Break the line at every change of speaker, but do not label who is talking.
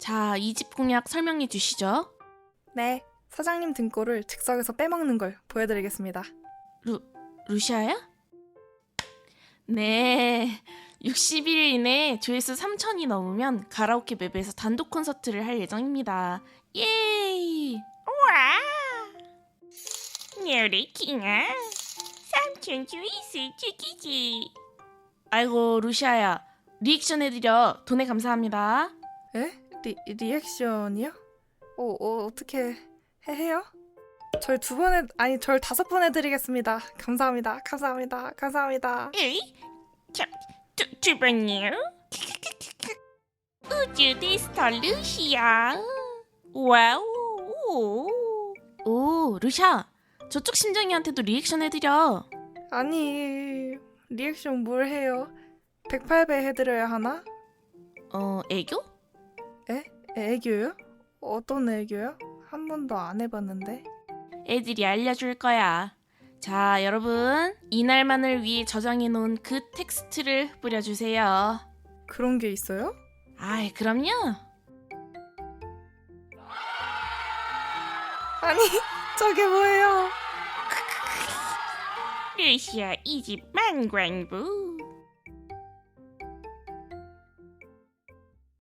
자, 이 집 공약 설명해 주시죠.
네, 사장님 등골을 즉석에서 빼먹는 걸 보여드리겠습니다.
루시아야? 네, 60일 이내 조회수 3,000이 넘으면 가라오케 맵에서 단독 콘서트를 할 예정입니다. 예이!
와! 요리킹아, 삼촌 조이스 죽이지.
아이고, 루시아야. 리액션 해드려. 돈에 감사합니다.
에? 리액션이요? 어떻게 해요? 절 2번 절 5번 해드리겠습니다. 감사합니다.
에이? 두 번이요? 우주 데스터 루시아. 와우.
오, 루시아. 저쪽 심정이한테도 리액션 해드려.
아니, 리액션 뭘 해요? 108배 해드려야 하나?
애교?
애교요? 어떤 애교요? 한 번도 안 해봤는데.
애들이 알려줄 거야. 자, 여러분. 이날만을 위해 저장해놓은 그 텍스트를 뿌려주세요.
그런 게 있어요?
아이, 그럼요.
아니, 저게 뭐예요?
루시아 이 집 만관부.